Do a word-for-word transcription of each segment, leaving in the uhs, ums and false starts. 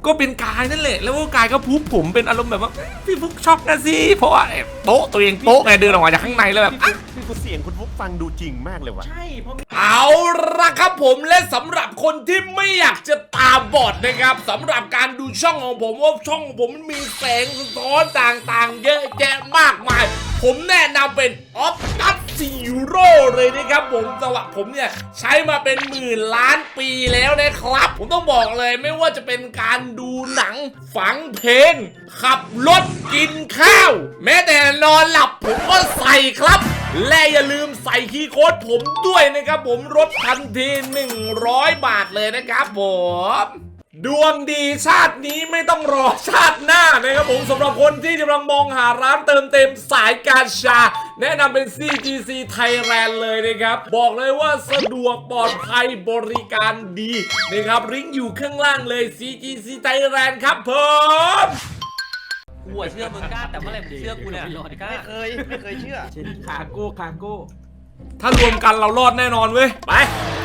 ก็เป็นกายนั่นแหละแล้วก็กายก็พุบผมเป็นอารมณ์แบบว่าพี่ฟุกช็อกนะสิเพราะว่าโต๊ะตัวเองโต๊ะไงเดินออกมาจากข้างในแล้วแบบพี่ฟุกเสียงคุณฟุกฟังดูจริงมากเลยว่ะใช่เพราะเอาละครับผมและสำหรับคนที่ไม่อยากจะตาบอดนะครับสำหรับการดูช่องของผมว่าช่องของผมมันมีแสงสะท้อนต่างๆเยอะแยะมากมายผมแนะนำเป็นออฟตัสซีโร่เลยนะครับผมสำหรับผมเนี่ยใช้มาเป็นหมื่นล้านปีแล้วนะครับผมต้องบอกเลยไม่ว่าจะเป็นการดูหนังฟังเพลงขับรถกินข้าวแม้แต่นอนหลับผมก็ใส่ครับและอย่าลืมใส่คีย์โค้ดผมด้วยนะครับผมลดทันทีหนึ่งร้อยบาทเลยนะครับผมดวงดีชาตินี้ไม่ต้องรอชาติหน้านะครับผมสำหรับคนที่กำลังมองหาร้านเติมเต็มสายการชาแนะนำเป็น ซี จี ซี Thailand เลยนะครับบอกเลยว่าสะดวกปลอดภัยบริการดีนะครับลิงก์อยู่ข้างล่างเลย ซี จี ซี Thailand ครับผมกูเชื่อมึงกล้าแต่เมื่อไหร่มึงเชื่อกูเนี่ยกล้าไม่เคยไม่เคยเชื่อคาโก้คาโก้ถ้ารวมกันเรารอดแน่นอนเว้ยไป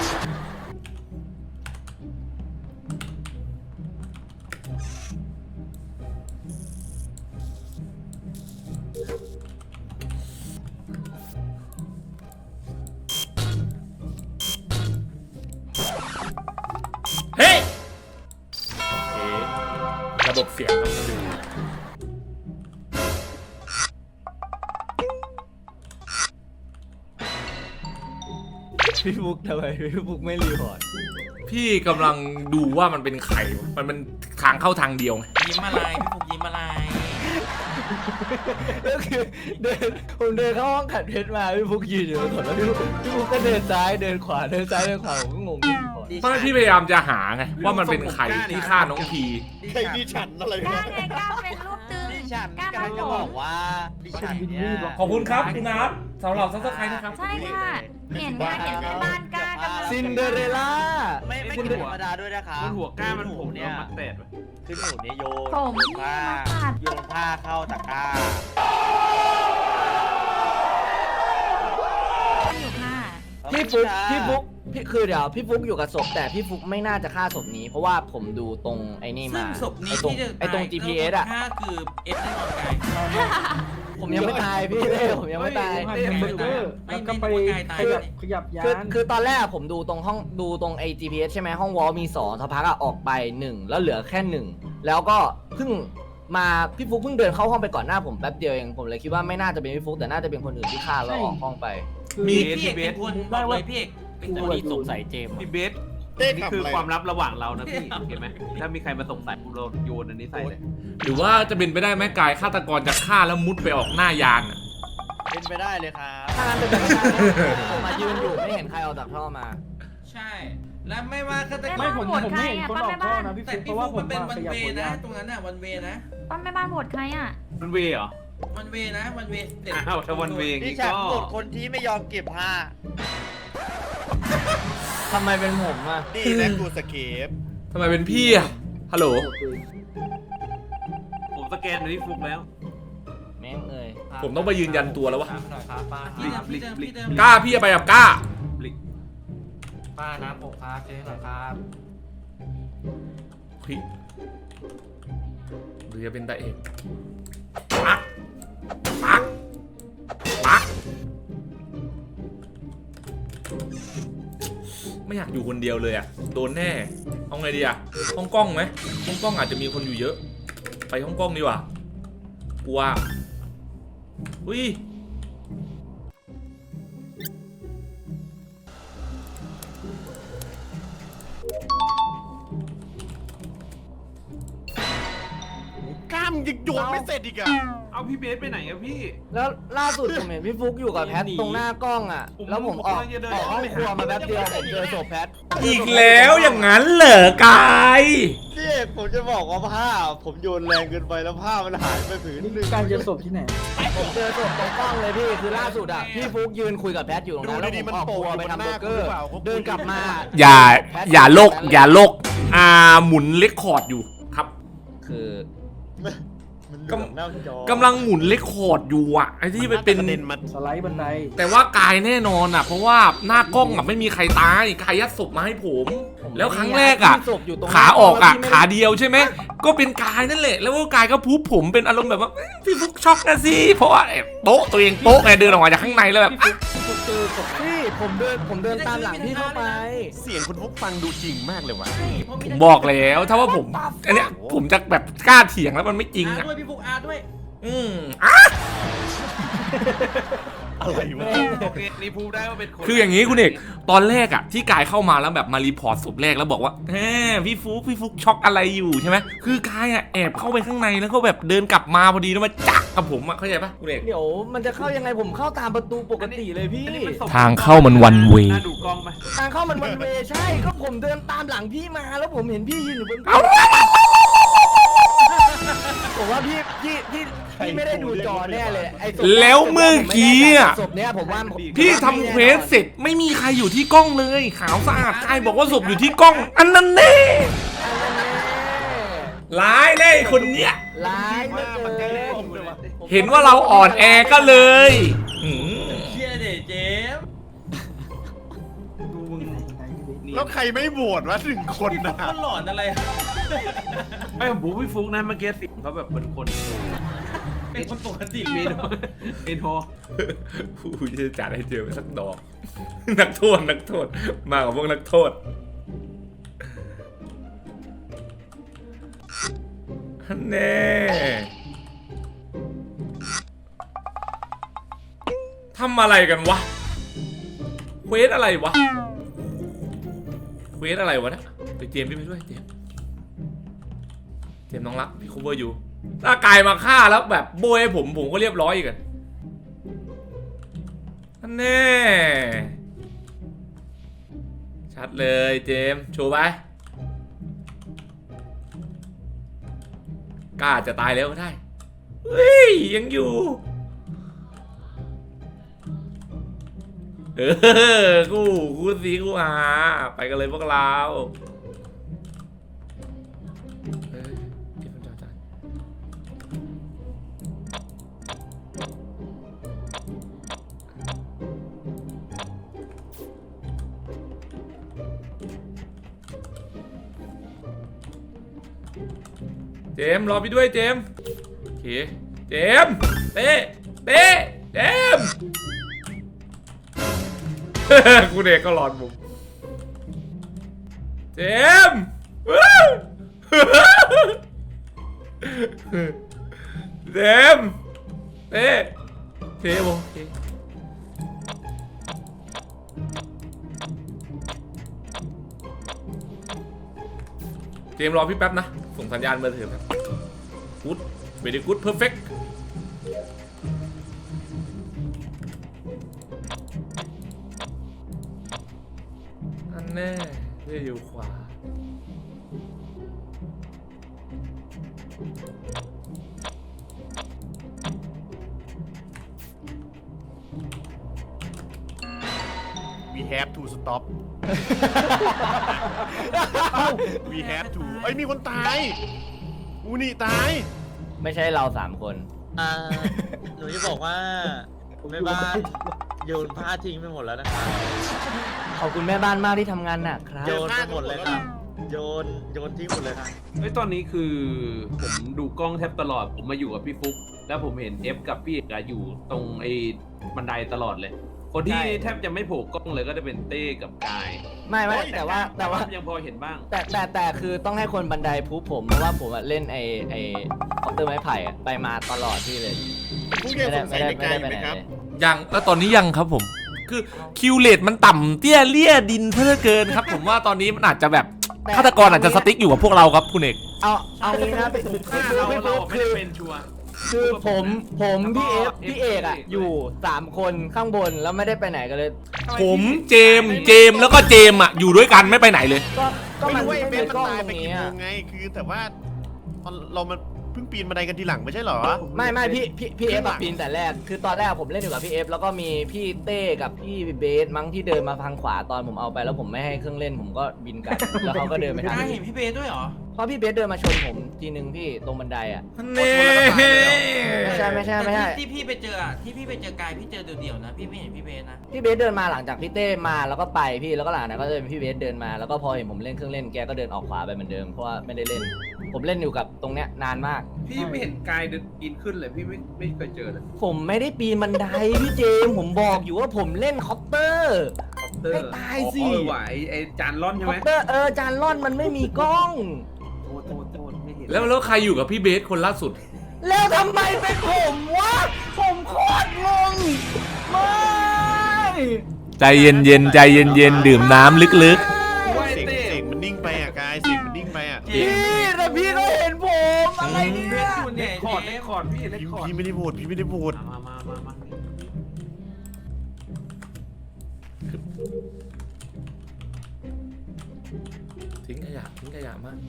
เฮ้ยระบบเสียงต้องดูพี่ฟุกทำไมพี่ฟุกไม่รีพอร์ตพี่กำลังดูว่ามันเป็นไข่มันเป็นทางเข้าทางเดียวยิ้มอะไรพี่ฟุกยิ้มอะไรก็คือเดินผมเดินเข้าห้องขัดเพชรมาพี่ฟุกยืนอยู่บนถนนแล้วพี่ฟุกพี่ฟุกก็เดินซ้ายเดินขวาเดินซ้ายเดินขวาผมก็งงเพราะพี่พยายามจะหาไงว่ามันเป็นไข่ที่ฆ่าน้องพีใครดิฉันอะไรก้าไงก้าเป็นรูปตึงดิฉันก้ากำลังจะบอกว่าดิฉันเนี่ยขอบคุณครับคุณนัทสำหรับซับสไครต์นะครับใช่ค่ะเห็นค่ะเห็นแม่บ้านก้ากำลังซินเดอเรล่าไม่ไม่กินธรรมดาด้วยนะคะบนหัวก้ามันผมเนี่ยมัดเป็ดคือหนูเนี่ยโยนผมนี่ผ้ามาขาดโยนผ้าเข้าตะกร้าอยู่ค่ะพี่ฟุกพี่ฟุกพี่คือเดี๋ยวพี่ฟุกอยู่กับศพแต่พี่ฟุกไม่น่าจะฆ่าศพนี้เพราะว่าผมดูตรงไอ้นี่มาซึ่งศพนี้ไอ้ตรงที่จะไอ้ตรง จี พี เอส อ่ะค่าคือเอสแน่นอนไกลผมยังไม่ตายพี่เล่ผมยังไม่ตายไม่ไม่ไม่ก็ไปขยับขยับยานคือคือตอนแรกผมดูตรงห้องดูตรงไอ้ จี พี เอส ใช่ไหมห้องวอลมีสองสักพักอะออกไปหนึ่งแล้วเหลือแค่หนึ่งแล้วก็เพิ่งมาพี่ฟุกเพิ่งเดินเข้าห้องไปก่อนหน้าผมแป๊บเดียวเองผมเลยคิดว่าไม่น่าจะเป็นพี่ฟุกแต่น่าจะเป็นคนอื่นที่ฆ่าแล้วออกห้องไปมีพี่เอกเป็นคนบอกเลยพี่เอกเป็นคนที่สงสัยเจมส์พี่เบสนี่คือความลับระหว่างเรานะพี่เห็นไหมถ้ามีใครมาสงสัยเราโยนอันนี้ใส่เลยหรือว่าจะเป็นไปได้ไหมกายฆาตกรจะฆ่าแล้วมุดไปออกหน้ายานอ่ะเป็นไปได้เลยครับถ้างั้นเป็นไปได้ผมมายืนอยู่ไม่เห็นใครเอาจากท่อมาใช่และไม่ว่าฆาตกรไม่ผมผมไม่เห็นคนออกท่อนะพี่ฟุกเพราะว่ามันเป็นวันเวนะตรงนั้นน่ะวันเวนะป้าแม่บ้านโหวตใครอ่ะวันเวเหรอวันเวนะวันเวอ้าวถ้าวันเวดิฉันโหวตคนที่ไม่ยอมเก็บผ้าทำไมเป็นผมอ่ะดีและกูสเกปทำไมเป็นพี่อ่ะฮัลโหลผมสแกนในที่ฟุกแล้วแม่งเลยผมต้องไปยืนยันตัวแล้ววะกล้าพี่ไปกับกล้าป้าน้ำอกครับเจ๊หน่อยครับพี่หรือจะเป็นตาเอกปักปักปักไม่อยากอยู่คนเดียวเลยอ่ะโดนแน่เอาไงดีอ่ะห้องกล้องไหมห้องกล้องอาจจะมีคนอยู่เยอะไปห้องกล้องดีกว่ากลัวอุ้ยกล้ามยังโยนไม่เสร็จอีกอะเอาพี่เบสไปไหนอะพี่แล้วล่าสุดผมเห็นพี่ฟุกอยู่กับแพทตรงหน้ากล้องอะแล้วผมออกออกห้องครัวมาแป๊บเดียวผมเจอศพแพทอีกแล้วอย่างนั้นเหรอกายพี่เอกผมจะบอกว่าผ้าผมโยนแรงเกินไปแล้วผ้ามันหายไปผืนนึงการเจอศพที่ไหนผมเจอศพตรงกล้องเลยพี่คือล่าสุดอะพี่ฟุกยืนคุยกับแพทอยู่ตรงนั้นแล้วผมออกครัวไปทำเบอร์เกอร์เดินกลับมาอย่าอย่าโลกอย่าโลกอ่าหมุนเลคคอร์ดอยู่ครับคือมันอยู่หน้าจอกำลังหมุนเลคคอร์ดอยู่อะไอ้ที่ไปเป็นกระเด็นมาสไลด์บันไดแต่ว่ากายแน่นอนอะเพราะว่าหน้ากล้องอะไม่มีใครตายกายยัดศพมาให้ผม แล้วครั้งแรกอะที่ศพยู่ตรงขาออกอะแล้วพี่ไม่ขาเดียวใช่ไหมก็เป็นกายนั่นแหละแล้วก็กายก็พูบผมเป็นอารมณ์แบบว่าพี่ฟุกช็อกนะสิเพราะว่าโต๊ะตัวเองโต๊ะไงเดินออกมาจากข้างในแล้วแบบเจอศพพี่ผมเดินผมเดินตามหลังพี่เข้าไปเสียงคุณฟุกฟังดูจริงมากเลยว่ะผมบอกแล้วถ้าว่าผมอันเนี้ยผมจะแบบกล้าเถียงแล้วมันไม่จริงอาอ่ะด้วยพี่ฟุกอาด้วยอืมอ่ะอะไรวะโอเคนี่พูดได้ว่าเป็นคนคืออย่างนี้คุณเอกตอนแรกอ่ะที่กายเข้ามาแล้วแบบมารีพอร์ตศพแรกแล้วบอกว่าแหมพี่ฟุกพี่ฟุกช็อกอะไรอยู่ใช่ไหมคือกายอ่ะแอบเข้าไปข้างในแล้วก็แบบเดินกลับมาพอดีแล้วมาจักกับผมอ่ะเข้าใจปะคุณเอกเดี๋ยวมันจะเข้ายังไงผมเข้าตามประตูปกติเลยพี่ทางเข้ามัน one way น่าดูกล้องไหมทางเข้ามันวันเวใช่ก็ผมเดินตามหลังพี่มาแล้วผมเห็นพี่ยืนอยู่บนผมว่าพี่พี่พี่พี่ไม่ได้ดูจอแน่เลยไอ้ศพแล้วเมื่อกี้อ่ะศพเนี้ยผมว่าผมพี่ทำเควสเสร็จไม่มีใครอยู่ที่กล้องเลยขาวสะอาดกายบอกว่าศพอยู่ที่กล้อง อันนั้นแน่ร้ายเลยคนเนี้ยร้ายเหลือเกินเห็นว่าเราอ่อนแอก็เลยอืมเชี่ยเดเจมดูมึงแล้วใครไม่โหวตวะหนึ่งคนนะมันหลอนอะไรไม่ผมพี่ฟุกนะเมื่อกี้สิเขาแบบเป็นคนเป็นคนปกติเมนเมนโฮผู้จะจัดให้เจอสักดอก นักโทษนักโทษมากับพวกนักโทษแน่ทำอะไรกันวะเควสอะไรวะเควสอะไรวะนะไปเจมส์พี่ไปด้วยเจมส์เจมส์น้องรักพี่คูเวอร์อยู่ถ้ากายมาฆ่าแล้วแบบโบยให้ผมผมก็เรียบร้อยอีกอะแน่ชัดเลยเจมส์โชว์ไปกล้าจะตายแล้วก็ได้เฮ้ยยังอยู่เออกูกูสีกูหาไปกันเลยพวกเราเอ้ยเดี๋ยวมันจะตายเจมส์รอพี่ด้วยเจมส์โอเคเจมส์เต้เต้เจมส์ กูเด็กก็หลอนผมเจมส์ เจมส์เต้เต้โอเคเจมส์รอพี่แป๊บนะส่งสัญญาณมาเถอะครับกู๊ดเวดีกู๊ดเพอร์เฟกต์อันแน่เรื่ออยู่ขวา We have to stop We have to เอ้ยมีคนตายอูนี่ตายไม่ใช่เราสามคนอ่าหนูจะบอกว่าแม่บ้านโยนผ้าทิ้งไปหมดแล้วนะครับขอบคุณแม่บ้านมากที่ทำงานหนักครับโยนไปหมดเลยครับโยนโยนทิ้งหมดเลยครับเฮ้ยตอนนี้คือผมดูกล้องแทบตลอดผมมาอยู่กับพี่ฟุกแล้วผมเห็นเอฟกับพี่เอกอะอยู่ตรงไอ้บันไดตลอดเลย คนที่ใช่แทบจะไม่โผล่กล้องเลยก็จะเป็นเต้กับกายไม่ไม่แต่ว่าแต่ว่ายังพอเห็นบ้างแต่แต่แต่คือต้องให้คนบันไดพูผมเพราะว่าผมอะเล่นไอไอคอปเตอร์ไม้ไผ่อะไปมาตลอดที่เลยพวกยังสงสัยในกายอยู่ไหมครับยังแล้วตอนนี้ยังครับผม คือคิวเลตมันต่ำเตี้ยเลี่ยดินเพื่อเกินครับ ผมว่าตอนนี้มันอาจจะแบบฆาตกรอาจจะสติ๊กอยู่กับพวกเราครับคุณเอกเอาเอางี้นะพี่ถ้าเราเราไม่ได้เป็นชัวร์คือผมผมพี่เอฟแล้วก็พี่เอกอะเอฟอยู่สามคนข้างบนแล้วไม่ได้ไปไหนกันเลยผมเจมส์เจมส์แล้วก็เจมส์อ่ะอยู่ด้วยกันไม่ไปไหนเลยก็ก็ไม่มันรู้ว่าไอ้เบไม่นมีมันกล้องตายตไปรงกี่นี้โมอะงไง คือแต่ว่าตอนเรามันเพิ่งปีนบันไดกันทีหลังไม่ใช่เหรอไม่ไม่พี่พี่พี่เอฟปีนแต่แรกคือตอนแรกผมเล่นอยู่กับพี่เอฟแล้วก็มีพี่เต้กับพี่เบสมั้งที่เดินมาทางขวาตอนผมเอาไปแล้วผมไม่ให้เครื่องเล่นผมก็บินกลับแล้วเขาก็เดินไปทางกายนี้เห็นพี่เบสด้วยเหรอเพราะพี่เบสเดินมาชนผมทีนึงพี่ตรงบันไดอ่ะเน่ไม่ใช่ไม่ใช่ไม่ใช่แต่ที่ที่พี่ไปเจออะที่พี่ไปเจอกายพี่เจอเดี่ยวๆนะพี่ไม่เห็นพี่เบสนะพี่เบสเดินมาหลังจากพี่เต้มาแล้วก็ไปพี่แล้วก็หลังจากนั้นก็จะเป็นพี่เบสเดินมาแล้วก็พอเห็นผมเล่นเครื่องเล่นแกก็เดินออกขวาไปเหมือนเดิมเพราะว่าไม่ได้เล่น ผมเล่นอยู่กับตรงเนี้ยนานมากพี่ไม่เห็นกายเดินปีนขึ้นเลยพี่ไม่ไม่เคยเจอเลยผมไม่ได้ปีนบันไดพี่เจมส์ผมบอกอยู่ว่าผมเล่นคอปเตอร์คอปเตอร์ให้ตายสิอ๋อเออว่ะไอ้ไอ้จานร่อนใช่คไหอมปเตอร์เออจานล่อนมันไม่มีกล้องโทษโทษโทษไม่เห็นแล้วแล้วใครอยู่กับพี่เบสคนล่าสุดแล้วทำไมเป็นผมวะผมโคตรงงไม่ใจเย็นเย็นใจเย็นเย็นดื่มน้ำลึกโอ้ยเสียงเต้เสียงมันนิ่งไปอ่ะกายเสียงมันนิ่งไปอ่ะพี่แต่พี่ก็เห็นผมอะไรเพเนี่ยชรอยู่เล็เนี่ยกคอร์ดเล็กคอร์ดพี่เล็กพี่คอร์ดพี่ไม่ได้โหวตพี่ไม่ได้โหวตมามามามาๆทิ้งขยะทิ้งขยะมาก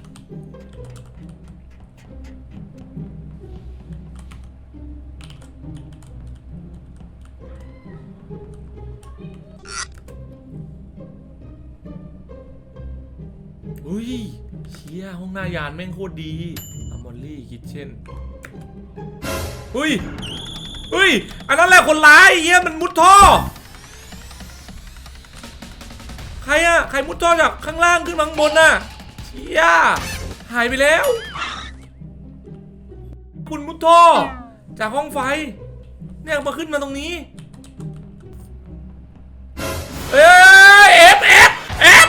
อุ้ยเชี่ยห้องหน้ายานแม่งโคตรดีอมอลลี่คิทเช่นอุ้ยอุ้ยอันนั้นแหละคนร้ายเฮียมันมุดท่อใครอะใครมุดท่อจากข้างล่างขึ้นมาข้างบนน่ะเชี่ยหายไปแล้ว คุณมุดท่อจากห้องไฟเนี่ยมาขึ้นมาตรงนี้เอ้ยเอฟเอฟเอฟ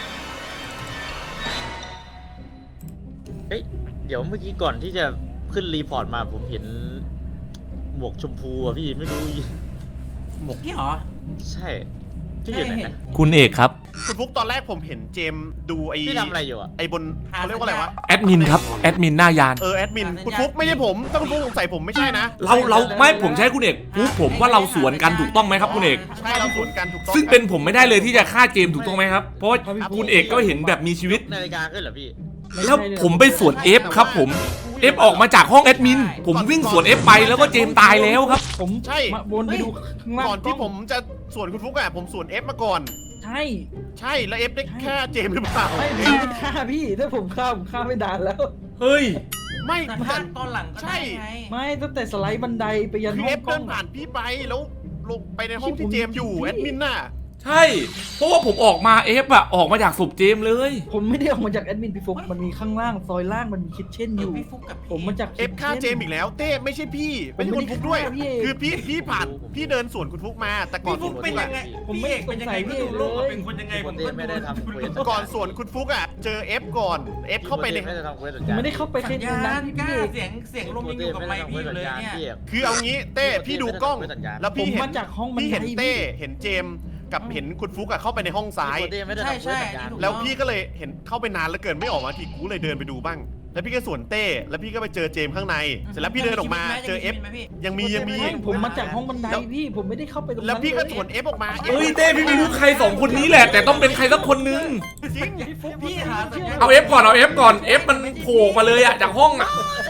เฮ้ยเดี๋ยวเมื่อกี้ก่อนที่จะขึ้นรีพอร์ตมาผมเห็นหมวกชมพูอะพี่ไม่รู้พี่เหรอใช่พี่อยู่ไหนนะคุณเอกครับคุณฟุกตอนแรกผมเห็นเจมส์ดูไอ้พี่ทำอะไรอยู่อะไอ้บนเขาเรียกว่าอะไรวะแอดมินครับแอดมินหน้ายานเออแอดมินคุณฟุกไม่ใช่ผมถ้าคุณฟุกสงสัยผมไม่ใช่นะเราเราไม่ผมใช้คุณเอกพูดผมว่าเราสวนกันถูกต้องไหมครับคุณเอกใช่เราสวนกันถูกต้องซึ่งเป็นผมไม่ได้เลยที่จะฆ่าเจมส์ถูกต้องไหมครับเพราะว่าคุณเอกก็เห็นแบบมีชีวิตนาฬิกาขึ้นเหรอพี่แล้วผมไปสวนเอฟครับผมเอฟออกมาจากห้องแอดมินผมวิ่งสวนเอฟไปแล้วก็เจมส์ตายแล้วครับผมใช่มาวนไปดูข้างล่างก่อนที่ผมจะสวนคุณฟุกอะผมสวนเอฟมาก่อนใช่ใช่แล้วเอฟได้แค่เจมส์หรือเปล่าไม่ผมไม่ได้ฆ่าพี่ถ้าผมฆ่าผมฆ่าไม่ดานแล้วเฮ้ยไม่แต่แต่ถ้าตอนหลังก็ได้ไงไม่ตั้งแต่สไลด์บันไดไปยันคือห้เอองฟกล้เดิองนผ่านพี่ไปแล้วลงไปในห้องที่เจมส์อยู่แอดมินน่ะใช่เพราะว่าผมออกมาเอฟอะออกมาจากศพเจมส์เลยผมไม่ได้ออกมาจากแอดมินพี่ฟุกมันมีข้างล่างซอยล่างมันมีคิทเช่นเอออยู่ พี่ฟุกกับผมมาจากเอฟฆ่าเจมส์อีกแล้วเต้ไม่ใช่พี่ไม่ใช่คุณฟุกด้วยผมไม่ได้ฆ่าพี่เอกคือพี่พี่ผ่านพี่เดินสวนคุณฟุกมาแต่ก่อนพี่สฟุวนกคุณเป็นฟุกยังไงอะผมไม่พี่เอกเป็นยังไงสงสัยไม่ดูพี่โลกว่าเลยเป็นคนยังไงปผกมติก็ไม่ได้ทำเควสก่อนสวนคุณฟุกอะเจอเอฟก่อนเอฟเข้าไปในไม่ได้ทำเควสผมไม่ได้เข้าไปแค่สัญในญานั้นณพี่กล้าเอกเสียงเสียงลมยังอยู่กับไมค์พี่อยู่เลยเนี่ยคือเอางี้เต้พี่ดูกล้อง แล้วผพี่มเห็มาน จากห้องบันพี่ไดเห็นเต้เห็นเจมส์กับเห็นคุณฟุกอะเข้าไปในห้องซ้ายไม่ได้ทำเควสสัญญาณแล้วพี่ก็เลยเห็นเข้าไปนานแล้วเกินไม่ออกมาทีกูเลยเดินไปดูบ้าง แล้วพี่ก็สวนเต้แล้วพี่ก็ไปเจอเจมส์ข้างในเสร็จแล้วพี่เดินออกมาเจอเอฟยังมียังมีไม่ผมมาจากห้องบันไดพี่ผมไม่ได้เข้าไปตรงนั้นแล้วพี่ก็เยสวนเอฟออกมาเฮ้ยเต้พี่ไม่รู้ใครสองคนนี้แหละ แต่ต้องเป็นใครสักคนนึงจริงพี่หาสัญญาณเอาเอฟก่อนเอาเอฟก่อนเอฟมันโผล่มาเลยอะจากห้องอะ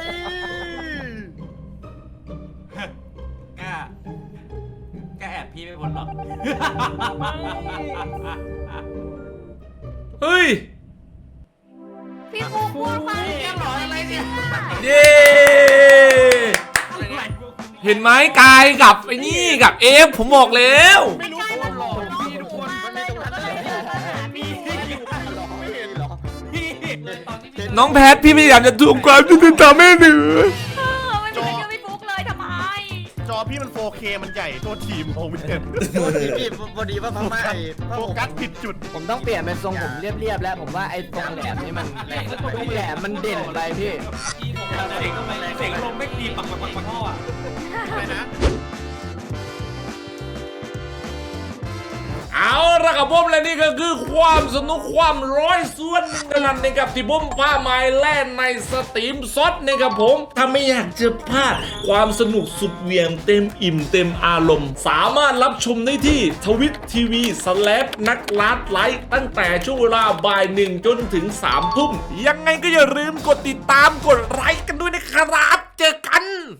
กล้ากล้าแอบพี่ไม่พ้นหรอกเฮ้ยพี่ฟุกพูดฟังเสียงหรออะไรเนี่ยเย้เห็นไหมกายกับไอ้นี่กับเอฟผมบอกแล้วไม่รู้ใช่ว่ามันหลอกพี่ทุกคนเลยหนูก็เลยเดินมาหาพี่ไม่เห็นหรอพี่ตอนที่พี่น้องแพทพี่พยายามจะทวงความยุติธรรมให้หนูเออไม่มีใครเชื่อพี่ฟุกเลยทำไมจอพี่มัน โฟร์เค มันใหญ่ตัวทีมของไม่เห็นพี่พอดีว่าพม่าไอ้โฟกัสผิดจุดผมต้องเปลี่ยนเป็นทรงผมเรียบๆแล้วผมว่าไอ้ตรงแหลมนี่มันตรงแหลมมันเด่นไปพี่พี่ผมเสียงเสียงลมไม่ตีปักปักปักปักพ่ออ่ะอะไรนะเอาละครับผมและนี่ก็คือความสนุกความร้อยส่วนหนึ่งกันนะครับที่ผมพาไม้แล่นในสตรีมซดนะครับผมถ้าไม่อยากจะพลาดความสนุกสุดเหวี่ยงเต็มอิ่มเต็มอารมณ์ สามารถรับชมได้ที่ทวิตทีวีสแลปนักลัดไลฟ์ตั้งแต่ช่วงเวลาบ่ายหนึ่งจนถึงสามทุ่มยังไงก็อย่าลืมกดติดตามกดไลค์กันด้วยนะครับเจอกัน